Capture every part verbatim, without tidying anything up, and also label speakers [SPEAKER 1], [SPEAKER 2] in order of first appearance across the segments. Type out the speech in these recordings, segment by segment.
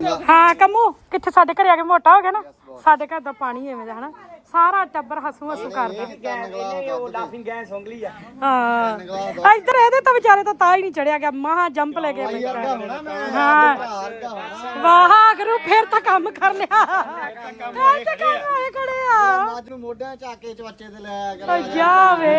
[SPEAKER 1] ਹਾਂ ਕੰਮੂ ਕਿੱਥੇ ਸਾਡੇ ਘਰੇ ਆ ਕੇ ਮੋਟਾ ਹੋ ਗਿਆ ਨਾ ਸਾਡੇ ਘਰ ਦਾ ਪਾਣੀ ਐਵੇਂ ਦਾ ਹਨਾ ਸਾਰਾ ਟੱਬਰ ਹਸੂ ਹਸੂ ਕਰਦਾ ਹਾਂ ਇੱਧਰ ਇਹਦੇ ਤਾਂ ਵਿਚਾਰੇ ਤਾਂ ਤਾਂ ਹੀ ਨਹੀਂ ਚੜਿਆ ਗਿਆ ਮਹਾ ਜੰਪ ਲੈ ਕੇ ਹਾਂ ਵਾਹ ਗੁਰੂ ਫੇਰ ਤਾਂ ਕੰਮ ਕਰ ਲਿਆ ਤੇ ਕੰਮ ਹੋਏ ਖੜੇ ਆ
[SPEAKER 2] ਅੱਜ ਨੂੰ ਮੋਢਿਆਂ ਚਾਕੇ ਚਵੱਚੇ ਤੇ ਲੈ ਕਰ
[SPEAKER 1] ਜਾਵੇ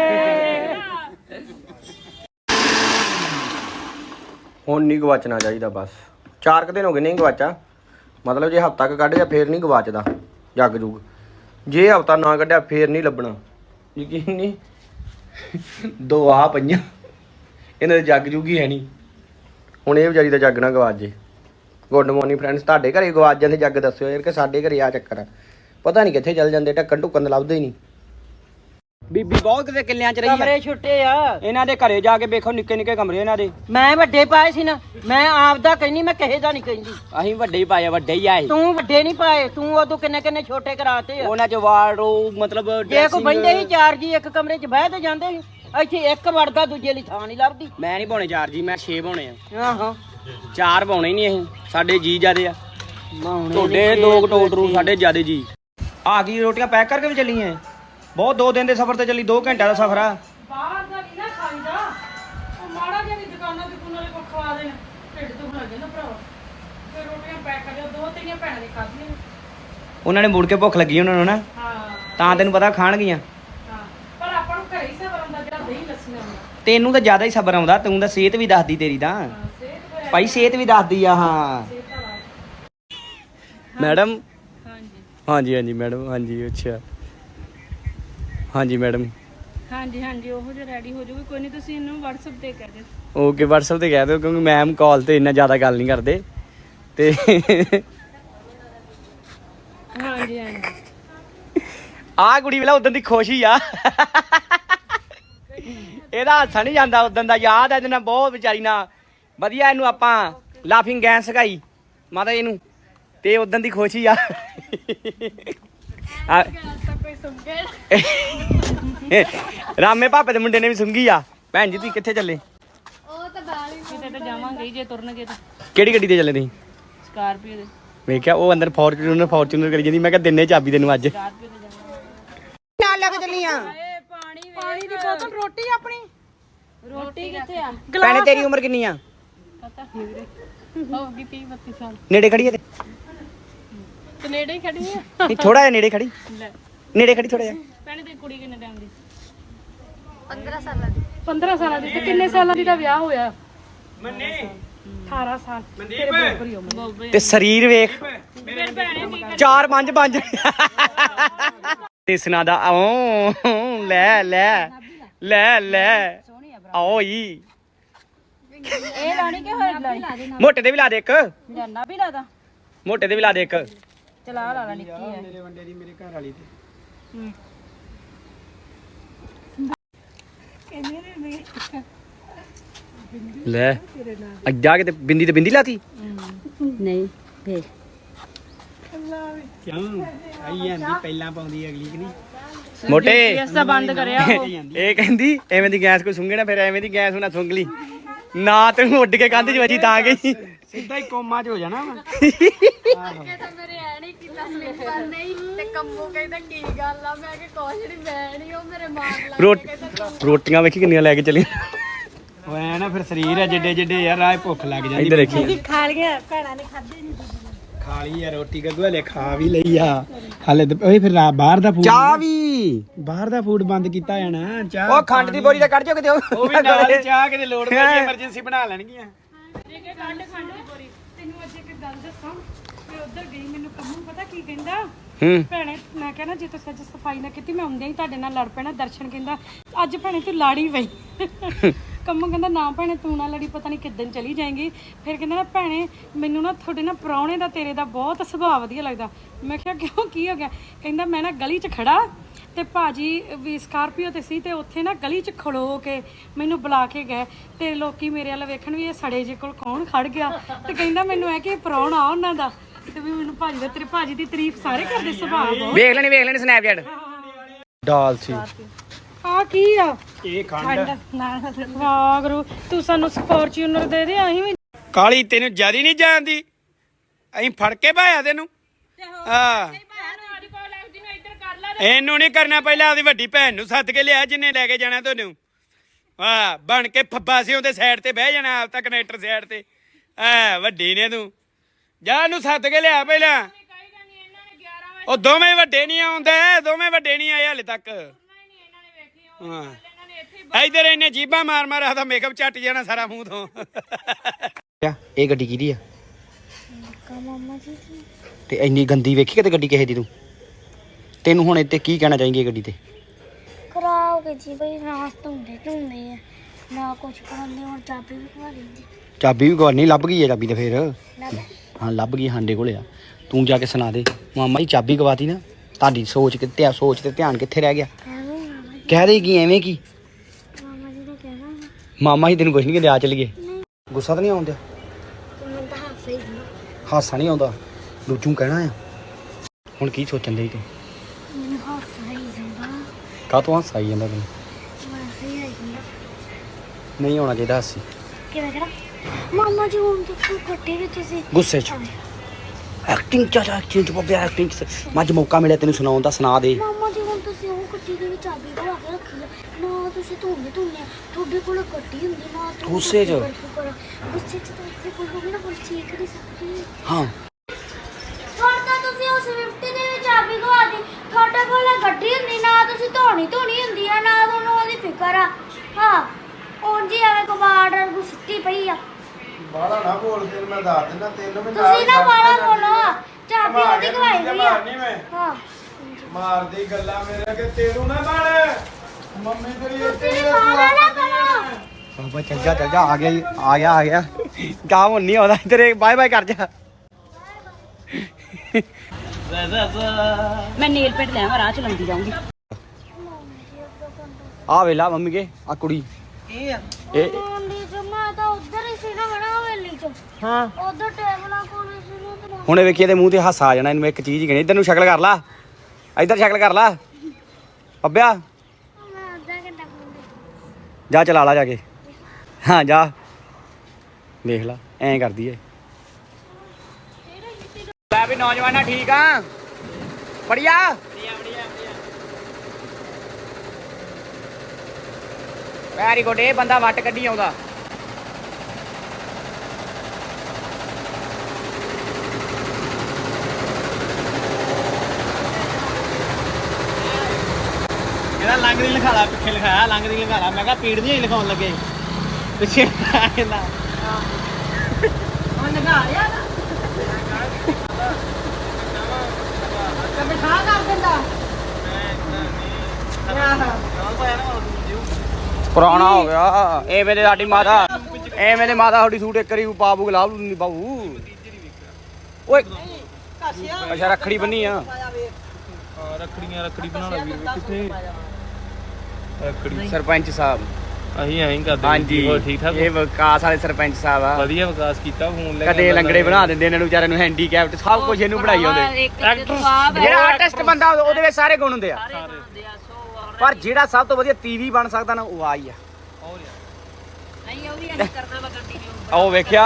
[SPEAKER 3] ਹੁਣ ਨਹੀਂ ਗਵਾਚਣਾ ਚਾਹੀਦਾ ਬਸ ਚਾਰ ਕੁ ਦਿਨ ਹੋ ਗਏ ਨਹੀਂ ਗਵਾਚਾ ਮਤਲਬ ਜੇ ਹਫ਼ਤਾ ਕ ਕੱਢ ਗਿਆ ਫੇਰ ਨਹੀਂ ਗਵਾਚਦਾ ਜੱਗ ਜੂਗ ਜੇ ਹਫ਼ਤਾ ਨਾ ਕੱਢਿਆ ਫੇਰ ਨਹੀਂ ਲੱਭਣਾ ਯਕੀਨ ਨਹੀਂ ਦੋ ਆ ਪਈਆਂ ਇਹਨਾਂ ਦੇ ਜੱਗ ਜੂਗ ਹੀ ਹੈ ਨਹੀਂ ਹੁਣ ਇਹ ਵਿਚਾਰੀ ਦਾ ਜੱਗ ਨਾ ਗਵਾਚ ਜੇ ਗੁੱਡ ਮਾਰਨਿੰਗ ਫਰੈਂਡਸ ਤੁਹਾਡੇ ਘਰੇ ਗਵਾਚ ਜਾਂਦੇ ਜੱਗ ਦੱਸਿਓ ਯਾਰ ਕਿ ਸਾਡੇ ਘਰੇ ਆ ਚੱਕਰ ਆ ਪਤਾ ਨਹੀਂ ਕਿੱਥੇ ਚੱਲ ਜਾਂਦੇ ਢੱਕਣ ਢੁੱਕਣ ਲੱਭਦੇ ਹੀ ਨਹੀਂ ਬੀਬੀ ਬਹੁਤ ਕਿਤੇ ਕਿੱਲਿਆਂ ਚ ਰਹੀ ਆ
[SPEAKER 4] ਕਮਰੇ ਛੁੱਟੇ ਆ
[SPEAKER 3] ਇਹਨਾਂ ਦੇ ਘਰੇ ਜਾ ਕੇ ਵੇਖੋ ਨਿੱਕੇ ਨਿੱਕੇ ਕਮਰੇ ਇਹਨਾਂ ਦੇ
[SPEAKER 4] ਮੈਂ ਵੱਡੇ ਪਾਏ ਸੀ ਨਾ ਮੈਂ ਆਪਦਾ ਕਹਿੰਦੀ ਮੈਂ ਕਿਸੇ ਦਾ ਨਹੀਂ ਕਹਿੰਦੀ
[SPEAKER 3] ਅਸੀਂ ਵੱਡੇ ਹੀ ਪਾਏ ਵੱਡੇ ਹੀ ਆਏ
[SPEAKER 4] ਤੂੰ ਵੱਡੇ ਨਹੀਂ ਪਾਏ ਤੂੰ ਉਦੋਂ ਕਿੰਨੇ ਕਿੰਨੇ ਛੋਟੇ ਕਰਾਤੇ ਆ
[SPEAKER 3] ਉਹਨਾਂ ਚ ਵਾਰਡੋ ਮਤਲਬ
[SPEAKER 4] ਜੇ ਕੋ ਬੰਦੇ ਹੀ ਚਾਰ ਜੀ ਇੱਕ ਕਮਰੇ 'ਚ ਬਹਿ ਤੇ ਜਾਂਦੇ ਸੀ ਇੱਥੇ ਇੱਕ ਵੜਦਾ ਦੂਜੇ ਲਈ ਥਾਂ ਨਹੀਂ ਲੱਭਦੀ
[SPEAKER 3] ਮੈਂ ਨਹੀਂ ਪਾਉਣੇ ਚਾਰ ਜੀ ਮੈਂ ਛੇ ਪਾਉਣੇ ਆ
[SPEAKER 4] ਆਹੋ
[SPEAKER 3] ਚਾਰ ਪਾਉਣੇ ਨਹੀਂ ਅਸੀਂ ਸਾਡੇ ਜੀ ਜਿਆਦੇ ਆ
[SPEAKER 4] ਮਾਉਣੇ
[SPEAKER 3] ਤੁਹਾਡੇ ਦੋ ਟੋਟਰੂ ਸਾਡੇ ਜਿਆਦੇ ਜੀ ਆ ਗਈ ਰੋਟੀਆਂ ਪੈਕ ਕਰਕੇ ਵੀ ਚੱਲੀਆਂ ਬਹੁਤ ਦੋ ਦਿਨ ਦੇ ਸਫ਼ਰ ਤੇ ਚੱਲੀ ਦੋ ਘੰਟਿਆਂ ਦਾ ਸਫ਼ਰ ਆ
[SPEAKER 1] ਬਾਹਰ ਦਾ ਨਹੀਂ ਨਾ ਖਾਈਦਾ ਉਹ ਮਾੜਾ ਜਿਹਾ ਵੀ ਦੁਕਾਨਾਂ ਦੁਕਾਨਾਂ ਵਾਲੇ ਕੋ ਖਵਾ ਦੇਣ ਢਿੱਡ ਤੋਂ ਬਣਾ ਜਾਂਦਾ ਭਰਾਵਾ ਫਿਰ ਰੋਟੀਆਂ ਪੈਕ ਕਰ ਦਿਓ ਦੋ ਤਿੰਨ ਭੈਣਾਂ ਦੇ ਖਾਧੀਆਂ
[SPEAKER 3] ਉਹਨਾਂ ਨੇ ਮੁੜ ਕੇ ਭੁੱਖ ਲੱਗੀ ਉਹਨਾਂ ਨੂੰ ਨਾ
[SPEAKER 1] ਹਾਂ
[SPEAKER 3] ਤਾਂ ਤੈਨੂੰ ਪਤਾ ਖਾਣਗੀਆਂ
[SPEAKER 1] ਹਾਂ ਪਰ ਆਪਾਂ ਨੂੰ ਘਰੇ ਹੀ ਸਬਰ ਆਉਂਦਾ ਜਿਹੜਾ ਦਹੀਂ ਲੱਸੀ ਆਉਂਦਾ
[SPEAKER 3] ਤੈਨੂੰ ਤਾਂ ਜ਼ਿਆਦਾ ਹੀ ਸਬਰ ਆਉਂਦਾ ਤੂੰ ਤਾਂ ਸਿਹਤ ਵੀ ਦੱਸਦੀ ਤੇਰੀ ਤਾਂ
[SPEAKER 1] ਸਿਹਤ
[SPEAKER 3] ਭਾਈ ਸਿਹਤ ਵੀ ਦੱਸਦੀ ਆ ਹਾਂ ਮੈਡਮ ਹਾਂਜੀ ਹਾਂਜੀ ਮੈਡਮ ਹਾਂਜੀ ਅੱਛਾ ਹਾਂਜੀ ਮੈਡਮ
[SPEAKER 1] ਹਾਂਜੀ ਹਾਂਜੀ ਉਹ ਜੇ ਰੈਡੀ ਹੋ ਜਾਊਗੀ ਕੋਈ ਨਹੀਂ ਤੁਸੀਂ ਇਹਨੂੰ WhatsApp ਤੇ ਕਹਿ ਦਿਓ
[SPEAKER 3] ਓਕੇ WhatsApp ਤੇ ਕਹਿ ਦਿਓ ਕਿਉਂਕਿ ਮੈਮ ਕਾਲ ਤੇ ਇੰਨਾ ਜ਼ਿਆਦਾ ਗੱਲ ਨਹੀਂ ਕਰਦੇ ਤੇ
[SPEAKER 1] ਹਾਂਜੀ ਹਾਂਜੀ
[SPEAKER 3] ਆਹ ਕੁੜੀ ਵੇਲਾ ਉਦੋਂ ਦੀ ਖੁਸ਼ ਹੀ ਆ ਇਹਦਾ ਹੱਸਾ ਨਹੀਂ ਜਾਂਦਾ ਉਦੋਂ ਦਾ ਯਾਦ ਹੈ ਇਹਦੇ ਨਾਲ ਬਹੁਤ ਵਿਚਾਰੀ ਨਾਲ ਵਧੀਆ ਇਹਨੂੰ ਆਪਾਂ ਲਾਫਿੰਗ ਗੈਸ ਸਿਖਾਈ ਮਾਤਾ ਇਹਨੂੰ ਤੇ ਉਦੋਂ ਦੀ ਖੁਸ਼ ਹੀ ਆ ਰਾਮੇ ਪਾਪੇ ਦੇ ਮੁੰਡੇ ਨੇ ਵੀ ਸੁੰਗੀ ਆ ਭੈਣ ਜੀ ਤੁਸੀਂ ਕਿੱਥੇ ਚੱਲੇ
[SPEAKER 1] ਉਹ ਤਾਂ ਬਾਹਰ ਹੀ ਕਿਤੇ ਤਾਂ ਜਾਵਾਂਗੇ ਜੇ ਤੁਰਨਗੇ ਤਾਂ
[SPEAKER 3] ਕਿਹੜੀ ਗੱਡੀ ਤੇ ਚੱਲੇ ਤੁਸੀਂ
[SPEAKER 1] ਸਕਾਰਪੀਓ ਦੇ
[SPEAKER 3] ਵੇਖਿਆ ਉਹ ਅੰਦਰ ਫੋਰਚੂਨਰ ਫੋਰਚੂਨਰ ਕਰੀ ਜਾਂਦੀ ਮੈਂ ਕਿਹਾ ਦਿਨੇ ਚਾਬੀ ਤੈਨੂੰ ਅੱਜ
[SPEAKER 1] ਸਕਾਰਪੀਓ ਤੇ ਜਾਵਾਂਗੇ
[SPEAKER 4] ਨਾਲ ਲੈ ਕੇ ਚੱਲੀਆਂ
[SPEAKER 1] ਏ ਪਾਣੀ ਪਾਣੀ ਦੀ ਬੋਤਲ ਰੋਟੀ ਆਪਣੀ ਰੋਟੀ ਕਿੱਥੇ ਆ
[SPEAKER 3] ਭੈਣੇ ਤੇਰੀ ਉਮਰ ਕਿੰਨੀ ਆ
[SPEAKER 1] ਪਤਾ ਨਹੀਂ ਵੀਰੇ ਹੋ ਗਈ ਤੀਹ ਬੱਤੀ ਸਾਲ
[SPEAKER 3] ਨੇੜੇ ਖੜੀ ਐ ਤੇ
[SPEAKER 1] ਤੇ ਨੇੜੇ ਹੀ ਖੜੀ ਆ
[SPEAKER 3] ਨਹੀਂ ਥੋੜਾ ਜਿਹਾ ਨੇੜੇ ਖੜੀ
[SPEAKER 1] ਲੈ
[SPEAKER 3] ਨੇੜੇ ਖੜੀ ਥੋੜਾ ਜਿਹਾ
[SPEAKER 1] ਭੈਣੇ ਤੇ ਕੁੜੀ ਕਿੰਨੇ ਟਾਈਮ ਦੀ ਪੰਦਰਾਂ ਸਾਲਾਂ ਦੀ ਪੰਦਰਾਂ ਸਾਲਾਂ ਦੀ ਤੇ ਕਿੰਨੇ ਸਾਲਾਂ ਦੀ ਦਾ ਵਿਆਹ ਹੋਇਆ ਮੰਨੇ ਅਠਾਰਾਂ ਸਾਲ ਤੇਰੇ ਬਰਾਬਰ ਹੀ ਉਮਰ
[SPEAKER 3] ਤੇ ਸਰੀਰ ਵੇਖ
[SPEAKER 1] ਫਿਰ ਭੈਣੇ ਕੀ ਕਰ
[SPEAKER 3] ਚਾਰ ਪੰਜ ਪੰਜ ਇਸਨਾ ਦਾ ਓ ਲੈ ਲੈ ਲੈ ਲੈ ਆਓ ਜੀ
[SPEAKER 4] ਇਹ ਲਾਣੀ ਕਿ ਹੋਰ ਲਾਈ
[SPEAKER 3] ਮੋਟੇ ਤੇ ਵੀ ਲਾ ਦੇ ਇੱਕ
[SPEAKER 4] ਜਾਨਾ ਵੀ ਲਾਦਾ
[SPEAKER 3] ਮੋਟੇ ਤੇ ਵੀ ਲਾ ਦੇ ਇੱਕ
[SPEAKER 4] ਚਲਾ ਲਾ ਲਾ ਨਿੱਕੀ ਹੈ
[SPEAKER 3] ਮੇਰੇ ਵੰਡੇ ਦੀ ਮੇਰੇ ਘਰ ਵਾਲੀ ਤੇ ਲੈ ਅੱਜਾ ਕੇ ਤੇ ਬਿੰਦੀ ਤੇ ਬਿੰਦੀ ਲਾਤੀ
[SPEAKER 4] ਨਹੀਂ ਭੇਜ
[SPEAKER 2] ਕਿਉਂ ਆਈ ਜਾਂਦੀ ਪਹਿਲਾਂ ਪਾਉਂਦੀ ਅਗਲੀ ਕਿ ਨਹੀਂ
[SPEAKER 3] ਮੋਟੇ
[SPEAKER 1] ਐਸਾ ਬੰਦ ਕਰਿਆ ਉਹ
[SPEAKER 3] ਇਹ ਕਹਿੰਦੀ ਐਵੇਂ ਦੀ ਗੈਸ ਕੋਈ ਸੁੰਗੇ ਨਾ ਫਿਰ ਐਵੇਂ ਦੀ ਗੈਸ ਉਹਨਾਂ ਸੁੰਗ ਲਈ ਨਾ ਤੈਨੂੰ ਉੱਡ ਕੇ ਕੰਧ 'ਚ ਵੱਜੀ ਤਾਂ ਗਈ
[SPEAKER 2] ਸਿੱਧਾ ਹੀ ਕੋਮਾ 'ਚ ਹੋ ਜਾਣਾ ਵਾ
[SPEAKER 5] ਤਾਂ ਮੇਰੇ ਐ ਨਹੀਂ ਕੀਤਾ ਸਲੀਪਰ ਨਹੀਂ ਤੇ ਕੰਮੋ ਕਹਿੰਦਾ ਕੀ ਗੱਲ ਆ ਮੈਂ ਕਿ ਕੁਛ ਨਹੀਂ ਮੈਂ ਨਹੀਂ ਉਹ ਮੇਰੇ ਮਾਰ ਲਾ
[SPEAKER 3] ਰੋਟ ਰੋਟੀਆਂ ਵੇਖੀ ਕਿੰਨੀਆਂ ਲੈ ਕੇ ਚੱਲੀ
[SPEAKER 2] ਉਹ ਐ ਨਾ ਫਿਰ ਸਰੀਰ ਆ ਜਿੱਡੇ ਜਿੱਡੇ ਯਾਰ ਰਾਹ ਭੁੱਖ ਲੱਗ ਜਾਂਦੀ
[SPEAKER 3] ਇੱਧਰ ਦੇਖੀ
[SPEAKER 1] ਖਾ ਲਿਆ ਭੈਣਾਂ ਨੇ ਖਾਧੇ ਨਹੀਂ
[SPEAKER 2] ਖਾ ਲਈ ਆ ਰੋਟੀ ਗੱਗੂ ਹਲੇ ਖਾ ਵੀ ਲਈ ਆ ਹਲੇ ਉਹੀ ਫਿਰ ਰਾ- ਬਾਹਰ ਦਾ ਫੂਡ
[SPEAKER 3] ਚਾਹ ਵੀ
[SPEAKER 2] ਬਾਹਰ ਦਾ ਫੂਡ ਬੰਦ ਕੀਤਾ ਜਾਣਾ ਚਾਹ
[SPEAKER 3] ਉਹ ਖੰਡ ਦੀ ਬੋਰੀ ਤਾਂ ਕੱਢ ਜੋ ਕਿਤੇ
[SPEAKER 2] ਉਹ ਵੀ ਨਾਲ ਚਾਹ ਕਿਤੇ ਲੋੜ ਪਈ ਐਮਰਜੈਂਸੀ ਬਣਾ ਲੈਣਗੀਆਂ
[SPEAKER 1] ਜੇ ਕਿ ਕੱਢ ਖੰਡ ਦੀ ਬੋਰੀ ਤੈਨੂੰ ਅੱਜ ਇੱਕ ਗੱਲ ਦੱਸਾਂ ਮੈਂ ਉੱਧਰ ਗਈ ਮੈਨੂੰ ਕੰਮੂ ਪਤਾ ਕੀ ਕਹਿੰਦਾ
[SPEAKER 3] ਹੂੰ
[SPEAKER 1] ਭੈਣੇ ਮੈਂ ਕਹਿੰਦਾ ਜੇ ਤੁਸੀਂ ਅੱਜ ਸਫਾਈ ਨਾ ਕੀਤੀ ਮੈਂ ਆਉਂਦਿਆਂ ਹੀ ਤੁਹਾਡੇ ਨਾਲ ਲੜ ਪੈਣਾ ਦਰਸ਼ਨ ਕਹਿੰਦਾ ਅੱਜ ਭੈਣੇ ਤੂੰ ਲਾੜੀ ਪਈ ਕੰਮੂ ਕਹਿੰਦਾ ਨਾ ਭੈਣੇ ਤੂੰ ਨਾ ਲੜੀ ਪਤਾ ਨਹੀਂ ਕਿੱਦਣ ਚਲੀ ਜਾਏਗੀ ਫਿਰ ਕਹਿੰਦਾ ਨਾ ਭੈਣੇ ਮੈਨੂੰ ਨਾ ਤੁਹਾਡੇ ਨਾ ਪ੍ਰਾਹੁਣੇ ਦਾ ਤੇਰੇ ਦਾ ਬਹੁਤ ਸੁਭਾਅ ਵਧੀਆ ਲੱਗਦਾ ਮੈਂ ਕਿਹਾ ਕਿਉਂ ਕੀ ਹੋ ਗਿਆ ਕਹਿੰਦਾ ਮੈਂ ਨਾ ਗਲੀ 'ਚ ਖੜਾ ਤੇ ਭਾਜੀ ਵੀ ਸਕਾਰਪੀਓ ਤੇ ਸੀ ਤੇ ਉੱਥੇ ਨਾ ਗਲੀ 'ਚ ਖੜੋ ਕੇ ਮੈਨੂੰ ਬੁਲਾ ਕੇ ਗਏ ਤੇ ਲੋਕੀ ਮੇਰੇ ਵੱਲ ਵੇਖਣ ਵੀ ਇਹ ਸੜੇ ਜੇ ਕੋਲ ਕੌਣ ਖੜ ਗਿਆ ਤੇ ਕਹਿੰਦਾ ਮੈਨੂੰ ਇਹ ਕਿ ਪ੍ਰਾਹੁਣਾ ਆ ਉਹਨਾਂ ਦਾ ਤੇ ਵੀ ਮੈਨੂੰ ਭਾਜੀ ਦਾ ਤੇਰੇ ਭਾਜੀ ਦੀ ਤਾਰੀਫ ਸਾਰੇ ਕਰਦੇ ਸੁਭਾਅ ਬਹੁਤ
[SPEAKER 3] ਵੇਖ ਲੈਣੀ ਵੇਖ ਲੈਣੀ ਸਨੈਪਚੈਟ ਦਾਲ ਸੀ
[SPEAKER 1] ਆ ਕੀ ਆ
[SPEAKER 2] ਇਹ ਖੰਡ
[SPEAKER 1] ਨਾ ਵਾਹ ਗੁਰੂ ਤੂੰ ਸਾਨੂੰ ਫੋਰਚੂਨਰ ਦੇ ਦੇ ਅਸੀਂ ਵੀ
[SPEAKER 2] ਕਾਲੀ ਤੈਨੂੰ ਜਿਆਦੀ ਨਹੀਂ ਜਾਣਦੀ ਅਸੀਂ ਫੜ ਕੇ ਭਾਇਆ ਤੈਨੂੰ ਹਾਂ ਇਹਨੂੰ ਨਹੀਂ ਕਰਨਾ ਪਹਿਲਾਂ ਆਪਦੀ ਵੱਡੀ ਭੈਣ ਨੂੰ ਸੱਦ ਕੇ ਲਿਆ ਜਿੰਨੇ ਲੈ ਕੇ ਜਾਣਾ ਤੁਹਾਨੂੰ ਹਾਂ ਬਣ ਕੇ ਫੱਬਾ ਸੀ ਉਹਦੇ ਸਾਈਡ ਤੇ ਬਹਿ ਜਾਣਾ ਆਪ ਤਾਂ ਕਨੈਕਟਰ ਸਾਈਡ ਤੇ ਆ ਵੱਡੀ ਨੇ ਤੂੰ ਜਾ ਇਹਨੂੰ ਸੱਦ ਕੇ ਲਿਆ ਪਹਿਲਾਂ ਉਹ ਦੋਵੇਂ ਵੱਡੇ ਨਹੀਂ ਆਉਂਦੇ ਦੋਵੇਂ ਵੱਡੇ ਨਹੀਂ ਆਏ ਹਾਲੇ ਤੱਕ ਹਾਂ ਇਧਰ ਇਹਨੇ ਜੀਬਾਂ ਮਾਰ ਮਾਰ ਆਦਾ ਮੇਕਅਪ ਝੱਟ ਜਾਣਾ ਸਾਰਾ ਮੂੰਹ ਤੋਂ
[SPEAKER 3] ਇਹ ਗੱਡੀ ਕਿਹਦੀ ਆ
[SPEAKER 5] ਮਾਮਾ ਜੀ
[SPEAKER 3] ਤੇ ਇੰਨੀ ਗੰਦੀ ਵੇਖੀ ਕਿਤੇ ਗੱਡੀ ਕਿਸੇ ਦੀ ਤੂੰ ਤੈਨੂੰ ਹੁਣ ਇੱਥੇ ਕੀ ਕਹਿਣਾ ਚਾਹੀਂਗੇ ਗੱਡੀ ਤੇ
[SPEAKER 5] ਖਰਾਬ ਕੇ ਜੀ ਬਈ ਰਾਸ ਧੁੰਦੇ ਧੁੰਦੇ ਆ ਨਾ ਕੁਛ ਕਰਾਂਦੇ ਹੁਣ ਚਾਬੀ ਵੀ ਖਵਾ ਦਿੰਦੀ
[SPEAKER 3] ਚਾਬੀ ਵੀ ਕੋਈ ਨਹੀਂ ਲੱਭ ਗਈ ਆ ਚਾਬੀ ਤੇ ਫੇਰ
[SPEAKER 5] ਲੱਭ
[SPEAKER 3] ਹਾਂ ਲੱਭ ਗਈ ਸਾਡੇ ਕੋਲੇ ਆ ਤੂੰ ਜਾ ਕੇ ਸੁਣਾ ਦੇ ਮਾਮਾ ਜੀ ਚਾਬੀ ਗਵਾਤੀ ਨਾ ਤੁਹਾਡੀ ਸੋਚ ਕਿੱਥੇ ਆ ਸੋਚ ਤੇ ਧਿਆਨ ਕਿੱਥੇ ਰਹਿ ਗਿਆ
[SPEAKER 5] ਐਵੇਂ ਮਾਮਾ ਜੀ
[SPEAKER 3] ਕਹਿ ਦੇ ਕੀ ਐਵੇਂ ਕੀ
[SPEAKER 5] ਮਾਮਾ ਜੀ ਨੇ ਕਹਿਣਾ
[SPEAKER 3] ਮਾਮਾ ਜੀ ਤੈਨੂੰ ਕੁਛ ਨਹੀਂ ਕਹਿੰਦੇ ਆ ਚੱਲੀਏ ਗੁੱਸਾ ਤਾਂ ਨਹੀਂ ਆਉਂਦਾ
[SPEAKER 5] ਮੈਂ ਤਾਂ ਹਾਸੇ ਹੀ ਨਾ
[SPEAKER 3] ਹਾਸਾ ਨਹੀਂ ਆਉਂਦਾ ਦੂਜੂ ਕਹਿਣਾ ਆ ਹੁਣ ਕੀ ਸੋਚਣ ਲਈ ਤੂੰ
[SPEAKER 5] ਮੈਨੂੰ ਹਾਸਾ ਹੀ ਜਾਂਦਾ
[SPEAKER 3] ਕਾਹ ਤੋਂ ਹਾਸਾ ਆਈ ਜਾਂਦਾ ਤੈਨੂੰ
[SPEAKER 5] ਮੈਂ ਸਹੀ ਆਈ ਜਾਂਦਾ
[SPEAKER 3] ਨਹੀਂ ਆਉਣਾ ਚਾਹੀਦਾ ਹਾਸੀ
[SPEAKER 5] ਕਿਵੇਂ ਕਰਾਂ ਮਾਮਾ ਜੀ ਹੁਣ ਤੱਕ ਗੱਡੀ ਵਿੱਚ ਸੀ
[SPEAKER 3] ਗੁੱਸੇ 'ਚ ਐਕਟਿੰਗ ਚਾਚਾ ਐਕਟਿੰਗ ਚ ਬੱਬਿਆ ਐਕਟਿੰਗ ਮੱਝ ਮੌਕਾ ਮਿਲਿਆ ਤੈਨੂੰ ਸੁਣਾਉਣ ਦਾ ਸੁਣਾ ਦੇ
[SPEAKER 5] ਮਾਮਾ ਜੀ ਹੁਣ ਤੁਸੀਂ ਉਹ ਗੱਡੀ ਦੇ ਵਿੱਚ ਚਾਬੀ ਭਰਾ ਕੇ ਰੱਖੀ ਆ ਨਾ ਤੁਸੀਂ ਧੋਣੇ ਧੋਣੇ ਤੁਹਾਡੇ ਕੋਲ ਗੱਡੀ ਹੁੰਦੀ ਨਾ ਤੁਸੀਂ
[SPEAKER 3] ਗੁੱਸੇ 'ਚ
[SPEAKER 5] ਗੁੱਸੇ 'ਚ ਤਾਂ ਇੱਥੇ ਬੋਲੋਗੇ ਨਾ ਕੋਈ ਚੀਕ ਨਹੀਂ ਸਕਦੀ
[SPEAKER 3] ਹਾਂ
[SPEAKER 5] ਹੁਣ ਤਾਂ ਤੁਸੀਂ ਉਸ ਸਵਿਫਟ ਦੇ ਵਿੱਚ ਚਾਬੀ ਗਵਾ ਦੀ ਤੁਹਾਡੇ ਕੋਲ ਗੱਡੀ ਹੁੰਦੀ ਨਾ ਤੁਸੀਂ ਧੋਣੀ ਧੋਣੀ ਹੁੰਦੀ ਆ ਨਾ ਤੁਹਾਨੂੰ ਉਹਦੀ ਫਿਕਰ ਆ ਹਾਂ ਉਂਝ ਹੀ ਐਵੇਂ ਕਬਾੜ ਗੁੱਸਤੀ ਪਈ ਆ
[SPEAKER 2] ਬਾਲਾ ਨਾ ਬੋਲ ਤੈਨੂੰ ਮੈਂ ਦੱਸ ਦਿੰਦਾ ਤੈਨੂੰ ਵੀ
[SPEAKER 5] ਤੁਸੀਂ ਨਾ ਬਾਲਾ ਬੋਲੋ ਚਾਬੀ ਉਹਦੀ ਗਵਾਈ ਹੋਈ ਆ
[SPEAKER 2] ਮਾਰਨੀ ਮੈਂ
[SPEAKER 5] ਹਾਂ
[SPEAKER 2] ਮਾਰਦੀ ਗੱਲਾਂ ਮੇਰੇ ਕਿ ਤੈਨੂੰ ਨਾ ਬਾਲ ਮੰਮੀ ਤੇਰੀ ਇੱਥੇ
[SPEAKER 5] ਤੁਸੀਂ ਬਾਲਾ ਨਾ ਕਰੋ
[SPEAKER 3] ਬਾਬਾ ਚੱਲ ਜਾ ਚੱਲ ਜਾ ਆ ਗਿਆ ਜੀ, ਆ ਗਿਆ ਆ ਗਿਆ ਕੰਮ ਹੁਣ ਨਹੀਂ ਆਉਂਦਾ ਤੇਰੇ ਬਾਏ ਬਾਏ ਕਰ ਜਾ
[SPEAKER 4] ਮੈਂ ਨੀਲ ਪੇਟ ਲੈਵਾਂ ਰਾਹ ਚ ਲੰਦੀ ਜਾਊਂਗੀ
[SPEAKER 3] ਆ ਵੇਲਾ ਮੰਮੀ ਕੇ ਆ ਕੁੜੀ
[SPEAKER 4] ਇਹ ਆ
[SPEAKER 3] ਇਹ
[SPEAKER 5] ਮੰਡੀ ਚ ਮੈਂ ਤਾਂ ਉਧਰ ਹੀ ਸੀ ਨਾ ਬਣਾ ਹਵੇਲੀ ਚ
[SPEAKER 4] ਹਾਂ
[SPEAKER 5] ਉਧਰ ਟੇਬਲਾਂ ਕੋਲ ਸੀ ਨਾ ਤੇ
[SPEAKER 3] ਹੁਣ ਵੇਖੀ ਇਹਦੇ ਮੂੰਹ ਤੇ ਹਾਸਾ ਆ ਜਾਣਾ ਇਹਨੂੰ ਇੱਕ ਚੀਜ਼ ਹੀ ਕਹਿਣੀ ਇੱਧਰ ਨੂੰ ਸ਼ਕਲ ਕਰ ਲਾ ਇੱਧਰ ਸ਼ਕਲ ਕਰ ਲਾ ਅੱਬਿਆ
[SPEAKER 5] ਮੈਂ ਅੱਧਾ ਘੰਟਾ ਕੋਲ
[SPEAKER 3] ਜਾ ਚਲਾ ਲਾ ਜਾ ਕੇ ਹਾਂ ਜਾ ਦੇਖ ਲਾ ਐਂ ਕਰਦੀ ਏ ਲੈ ਵੀ ਨੌਜਵਾਨਾ ਠੀਕ ਆ ਬੜੀਆ ਵੈਰੀ ਗੁੱਡ ਇਹ ਬੰਦਾ ਵੱਟ ਕੱਢੀ ਆਉਂਦਾ
[SPEAKER 6] ਇਹਦਾ ਲੰਗ ਦੀ ਲਿਖਾ ਲਾ ਪਿੱਛੇ ਲਿਖਾਇਆ ਲੰਗ ਦੀ ਲਿਖਾ ਲਾ ਮੈਂ ਕਿਹਾ ਪੀੜ ਨਹੀਂ ਲਿਖਾਉਣ ਲੱਗੇ ਪਿੱਛੇ ਕਹਿੰਦਾ
[SPEAKER 4] ਹੁਣ ਲਗਾ ਆ ਨਾ ਤੇ ਬਿਠਾ ਕਰ ਦਿੰਦਾ
[SPEAKER 3] ਪੁਰਾਣਾ ਹੋ ਗਿਆ ਇਹ ਵੇਲੇ ਸਾਡੀ ਮਾਤਾ ਐਵੇਂ ਦੇ ਮਾਤਾ ਤੁਹਾਡੀ ਸੂਟ ਇੱਕ ਵਾਰੀ ਪਾਬੂ ਲਾਭ ਨਹੀਂ ਬਾਬੂ ਓਏ ਅੱਛਾ ਰੱਖੜੀ ਬੰਨੀ ਆ
[SPEAKER 6] ਹਾਂ ਰੱਖੜੀਆਂ ਰੱਖੜੀ ਬਣਾਉਣਾ ਵੀਰ ਕਿੱਥੇ ਰੱਖੜੀ
[SPEAKER 3] ਸਰਪੰਚ ਸਾਹਿਬ
[SPEAKER 6] ਅਸੀਂ ਐਂ ਕਰਦੇ
[SPEAKER 3] ਹਾਂਜੀ
[SPEAKER 6] ਹੋਰ ਠੀਕ ਠਾਕ
[SPEAKER 3] ਇਹ ਵਿਕਾਸ ਵਾਲੇ ਸਰਪੰਚ ਸਾਹਿਬ ਆ
[SPEAKER 6] ਵਧੀਆ ਵਿਕਾਸ ਕੀਤਾ ਫੋਨ ਲੈ
[SPEAKER 3] ਕਦੇ ਲੰਗੜੇ ਬਣਾ ਦਿੰਦੇ ਇਹਨਾਂ ਨੂੰ ਵਿਚਾਰਿਆਂ ਨੂੰ ਹੈਂਡੀਕੈਪਟ ਸਭ ਕੁਝ ਇਹਨੂੰ ਬਣਾਈ ਆਉਂਦੇ ਜਿਹੜਾ ਆਰਟਿਸਟ ਬੰਦਾ ਉਹਦੇ ਵਿੱਚ ਸਾਰੇ ਗੁਣ ਹੁੰਦੇ ਆ ਪਰ ਜਿਹੜਾ ਸਭ ਤੋਂ ਵਧੀਆ ਟੀਵੀ ਬਣ ਸਕਦਾ ਨਾ ਉਹ ਆਈ ਆ
[SPEAKER 4] ਨਹੀਂ ਉਹ ਵੀ ਅਸੀਂ ਕਰਨਾ ਵਾ ਕੰਟੀਨਿਊ
[SPEAKER 3] ਉਹ ਵੇਖਿਆ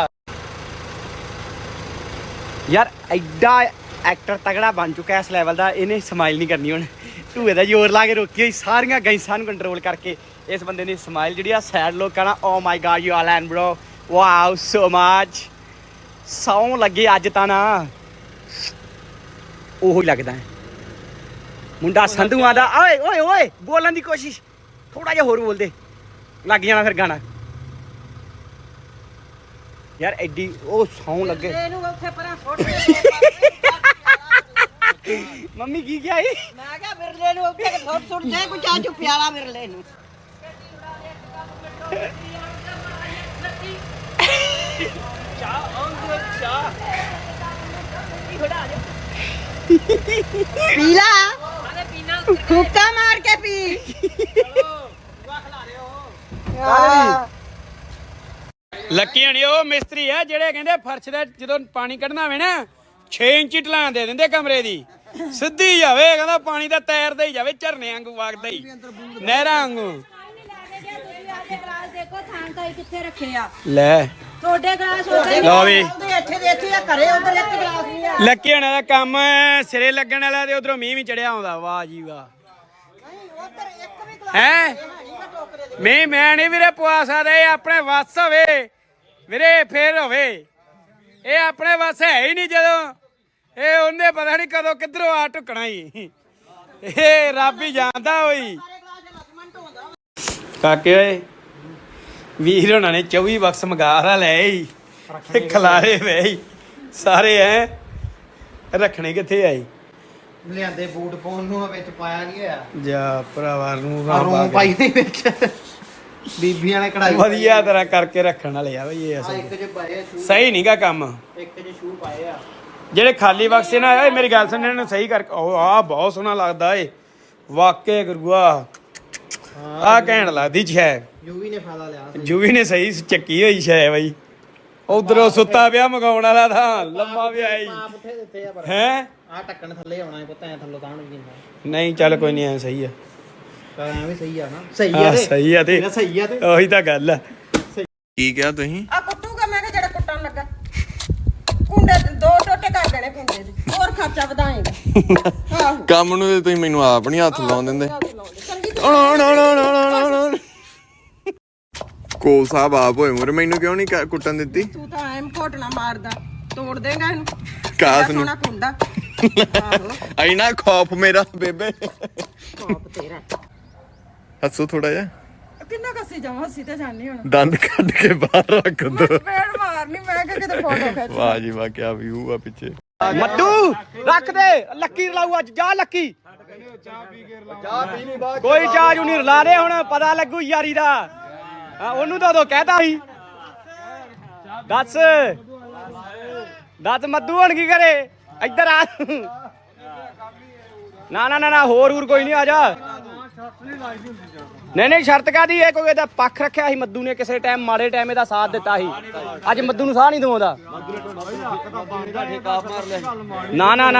[SPEAKER 3] ਯਾਰ ਐਡਾ ਐਕਟਰ ਤਗੜਾ ਬਣ ਚੁੱਕਾ ਇਸ ਲੈਵਲ ਦਾ ਇਹਨੇ ਸਮਾਈਲ ਨਹੀਂ ਕਰਨੀ ਹੁਣ ਢੂਏ ਦਾ ਜ਼ੋਰ ਲਾ ਕੇ ਰੋਕੀ ਹੋਈ ਸਾਰੀਆਂ ਗੈਂਸਾਂ ਨੂੰ ਕੰਟਰੋਲ ਕਰਕੇ ਇਸ ਬੰਦੇ ਨੇ ਸਮਾਈਲ ਜਿਹੜੀ ਆ ਸੈਡ ਲੋਕਾਂ ਨਾਲ oh my God you all and bro wow so much ਸੌਂ ਲੱਗੇ ਅੱਜ ਤਾਂ ਨਾ ਉਹੀ ਲੱਗਦਾ ਹੈ ਮੁੰਡਾ ਸੰਧੂਆਂ ਦਾ ਓਏ ਓਏ ਓਏ ਬੋਲਣ ਦੀ ਕੋਸ਼ਿਸ਼ ਥੋੜਾ ਜਿਹਾ ਹੋਰ ਬੋਲਦੇ ਲੱਗ ਜਾਣਾ ਫਿਰ ਗਾਣਾ ਯਾਰ ਐਡੀ ਉਹ ਸੌਂ ਲੱਗੇ
[SPEAKER 4] ਇਹਨੂੰ ਉੱਥੇ ਪਰਾਂ ਸੁੱਟ ਦੇ
[SPEAKER 3] ਮੰਮੀ ਕੀ ਕਿਹਾ ਈ
[SPEAKER 4] ਮੈਂ ਕਿਹਾ ਬਿਰਲੇ ਨੂੰ ਉੱਥੇ ਸੁੱਟ ਸੁੱਟ ਦੇ ਕੋਈ ਚਾਹ ਚੁ ਪਿਆਲਾ ਬਿਰਲੇ ਨੂੰ ਪੀਲਾ ਹੁੱਕਾ ਮਾਰ ਕੇ ਪੀ
[SPEAKER 2] ਲੱਕੀ ਹਣੀ ਉਹ ਮਿਸਤਰੀ ਆ ਜਿਹੜੇ ਕਹਿੰਦੇ ਫਰਸ਼ ਦਾ ਜਦੋਂ ਪਾਣੀ ਕੱਢਣਾ ਹੋਵੇ ਨਾ ਛੇ ਇੰਚੀ ਢਲਾਣ ਦੇ ਦਿੰਦੇ ਕਮਰੇ ਦੀ ਸਿੱਧੀ ਜਾਵੇ ਕਹਿੰਦਾ ਪਾਣੀ ਦਾ ਤੈਰਦਾ ਹੀ ਜਾਵੇ ਝਰਨੇ ਵਾਂਗੂ ਵਗਦਾ ਹੀ ਨਹਿਰਾਂ ਵਾਂਗੂ
[SPEAKER 4] ਦੇਖੋ ਥਾਂ ਤਾਂ ਕਿੱਥੇ ਰੱਖੇ ਆ
[SPEAKER 2] ਲੈ
[SPEAKER 4] ਤੁਹਾਡੇ ਗਲਾਸ ਉਧਰ
[SPEAKER 2] ਲਓ ਵੀ
[SPEAKER 4] ਇੱਥੇ ਦੇ ਇੱਥੇ ਆ ਘਰੇ ਉਧਰ ਇੱਕ ਗਲਾਸ ਨਹੀਂ ਆ
[SPEAKER 2] ਲੱਕੀ ਹੋਣਾ ਦਾ ਕੰਮ ਸਿਰੇ ਲੱਗਣ ਵਾਲਾ ਤੇ ਉਧਰੋਂ ਮੀਂਹ ਵੀ ਚੜਿਆ ਆਉਂਦਾ ਵਾਹ ਜੀ ਵਾਹ
[SPEAKER 4] ਉਧਰ ਇੱਕ ਵੀ ਗਲਾਸ
[SPEAKER 2] ਹੈ
[SPEAKER 4] ਨਹੀਂਗਾ ਟੋਕਰੇ ਦੇ
[SPEAKER 2] ਮੀਂਹ ਮੈਂ ਨਹੀਂ ਵੀਰੇ ਪਵਾ ਸਕਦਾ ਇਹ ਆਪਣੇ ਵੱਸ ਹੋਵੇ ਵੀਰੇ ਫੇਰ ਹੋਵੇ ਇਹ ਆਪਣੇ ਵੱਸ ਹੈ ਹੀ ਨਹੀਂ ਜਦੋਂ ਇਹ ਉਹਨੇ ਪਤਾ ਨਹੀਂ ਕਦੋਂ ਕਿੱਧਰੋਂ ਆ ਟੁਕਣਾ ਹੀ ਇਹ ਰੱਬ ਹੀ ਜਾਣਦਾ ਹੋਈ ਕਾਕੇ ਓਏ ਵੀਰ ਹੋਣਾ ਨੇ ਚੌਵੀ ਬਕਸ ਮਗਾਰਾ ਲੈ ਆਈ ਖਲਾਰੇ ਵੇ ਸਾਰੇ ਐ ਰੱਖਣੇ ਕਿੱਥੇ ਆਈ
[SPEAKER 6] ਲਿਆਂਦੇ ਬੂਟ ਪਾਉਣ ਨੂੰ ਵਿੱਚ ਪਾਇਆ ਨਹੀਂ ਹੋਇਆ
[SPEAKER 2] ਜਾ ਭਰਾਵਾ ਨੂੰ
[SPEAKER 6] ਆ ਰੂਮ ਪਾਈ ਨਹੀਂ ਵਿੱਚ ਬੀਬੀਆਂ ਨੇ ਕਢਾਈ
[SPEAKER 2] ਵਧੀਆ ਤਰ੍ਹਾਂ ਕਰਕੇ ਰੱਖਣ ਵਾਲੇ ਆ ਬਈ ਇਹ
[SPEAKER 6] ਆ
[SPEAKER 2] ਅਸਲ
[SPEAKER 6] ਇੱਕ ਜੇ ਪਾਏ ਸ਼ੂ
[SPEAKER 2] ਸਹੀ ਨਹੀਂਗਾ ਕੰਮ
[SPEAKER 6] ਇੱਕ ਜੇ ਸ਼ੂ ਪਾਏ ਆ
[SPEAKER 2] ਜਿਹੜੇ ਖਾਲੀ ਬਕਸੇ ਨਾ ਓਏ ਮੇਰੀ ਗੱਲ ਸੁਣ ਇਹਨਾਂ ਨੂੰ ਸਹੀ ਕਰਕੇ ਉਹ ਆ ਬਹੁਤ ਸੋਹਣਾ ਲੱਗਦਾ ਏ ਵਾਕੇ ਗੁਰੂਆ ਆ ਕਹਿਣ ਲੱਗਦੀ ਛੈ
[SPEAKER 6] ਯੂਵੀ ਨੇ ਫਾਇਦਾ ਲਿਆ
[SPEAKER 2] ਜੂਵੀ ਨੇ ਸਹੀ ਚੱਕੀ ਹੋਈ ਛੈ ਬਈ ਉਧਰੋਂ ਸੁੱਤਾ ਪਿਆ ਮਗਾਉਣ ਵਾਲਾ ਤਾਂ ਲੰਮਾ ਵੀ ਆਈ
[SPEAKER 6] ਆਪ ਉੱਥੇ ਦਿੱਤੇ ਆ ਪਰ
[SPEAKER 2] ਹੈ
[SPEAKER 6] ਆ ਟੱਕਣ ਥੱਲੇ ਆਉਣਾ ਪੁੱਤ ਐ ਥੱਲੋਂ ਤਾਣ ਵੀ ਜਿੰਦਾ
[SPEAKER 2] ਨਹੀਂ ਚੱਲ ਕੋਈ ਨਹੀਂ ਐ ਸਹੀ ਆ
[SPEAKER 6] ਪਰ ਐ ਵੀ ਸਹੀ ਆ ਨਾ ਸਹੀ
[SPEAKER 2] ਆ
[SPEAKER 6] ਆ ਤੇ
[SPEAKER 2] ਸਹੀ ਆ ਤੇ
[SPEAKER 6] ਤੇਰਾ ਸਹੀ ਆ ਤੇ
[SPEAKER 2] ਉਹੀ ਤਾਂ ਗੱਲ ਆ
[SPEAKER 7] ਕੀ ਕਿਹਾ ਤੁਸੀਂ
[SPEAKER 4] ਆ ਕੁੱਟੂਗਾ ਮੈਂ ਕਿਹਾ ਜਿਹੜਾ ਕੁੱਟਣ ਲੱਗਾ ਕੁੰਡੇ ਦੇ ਦੋ ਟੋਟੇ ਕਰ ਦੇਣੇ ਕੁੰਡੇ ਦੇ ਹੋਰ ਖਰਚਾ ਵਧਾਏਗਾ ਆਹੋ
[SPEAKER 7] ਕੰਮ ਨੂੰ ਤੇ ਤੁਸੀਂ ਮੈਨੂੰ ਆਪ ਨਹੀਂ ਹੱਥ ਲਾਉਣ ਦਿੰਦੇ
[SPEAKER 4] ਚੰਗੀ
[SPEAKER 7] ਕੋਲ ਸਾਹਿਬ ਆਪ ਹੋਏ ਮੁਰ ਮੈਨੂੰ ਕਿਉਂ ਨਹੀਂ ਕ- ਕੁੱਟਣ ਦਿੱਤੀ
[SPEAKER 4] ਤੂੰ ਤਾਂ ਐਮ ਘੋਟਣਾ ਮਾਰਦਾ ਤੋੜ ਦੇਗਾ ਇਹਨੂੰ
[SPEAKER 7] ਕਾਸ
[SPEAKER 4] ਬੜਾ
[SPEAKER 7] ਨੂੰ
[SPEAKER 4] ਸੋਹਣਾ ਕੁੰਡਾ ਆਹੋ
[SPEAKER 7] ਐਨਾ ਖੌਫ ਮੇਰਾ ਬੇਬੇ
[SPEAKER 4] ਕੋਪ ਤੇਰਾ
[SPEAKER 7] ਹੱਸੋ ਥੋੜਾ ਜਿਹਾ
[SPEAKER 4] ਕਿੰਨਾ ਕੱਸੀ ਜਾਵਾਂ ਅਸੀਂ ਤੇ ਜਾਣੀ ਹੁਣ
[SPEAKER 7] ਦੰਦ ਕੱਢ ਕੇ ਬਾਹਰ ਰੱਖ ਦੋ
[SPEAKER 4] ਪੇੜ ਮਾਰਨੀ ਮੈਂ ਕਿ ਕਿਤੇ ਫੋਟੋ ਖਿੱਚ
[SPEAKER 7] ਵਾਹ ਜੀ ਵਾਹ ਕੀ ਵਿਊ ਆ ਪਿੱਛੇ
[SPEAKER 3] ਮੱਟੂ ਰੱਖ ਦੇ ਲੱਕੀ ਰਲਾਊ ਅੱਜ ਜਾ ਲੱਕੀ ਕੋਈ ਚਾਹ ਜੂ ਨਹੀਂ ਰਲਾ ਦੇ ਹੁਣ ਪਤਾ ਲੱਗੂ ਯਾਰੀ ਦਾ ਹਾਂ, ਉਹਨੂੰ ਤਾਂ ਉਦੋਂ ਕਹਿਤਾ ਸੀ ਦੱਸ ਦੱਸ ਮੱਦੂ ਹੁਣ ਕੀ ਕਰੇ ਇੱਧਰ ਆ ਨਾ ਨਾ ਨਾ ਨਾ ਹੋਰ ਹੋਰ ਕੋਈ ਨਹੀਂ ਆ ਜਾ ਨਹੀਂ ਨਹੀਂ ਸ਼ਰਤ ਕਾਦੀ ਇਹ ਕੋਈ ਇਹਦਾ ਪੱਖ ਰੱਖਿਆ ਸੀ ਮੱਦੂ ਨੇ ਕਿਸੇ ਟਾਈਮ ਮਾੜੇ ਟਾਈਮ ਇਹਦਾ ਸਾਥ ਦਿੱਤਾ ਸੀ ਅੱਜ ਮੱਦੂ ਨੂੰ ਸਾਹ ਨਹੀਂ ਦਵਾਉਂਦਾ ਨਾ ਨਾ ਨਾ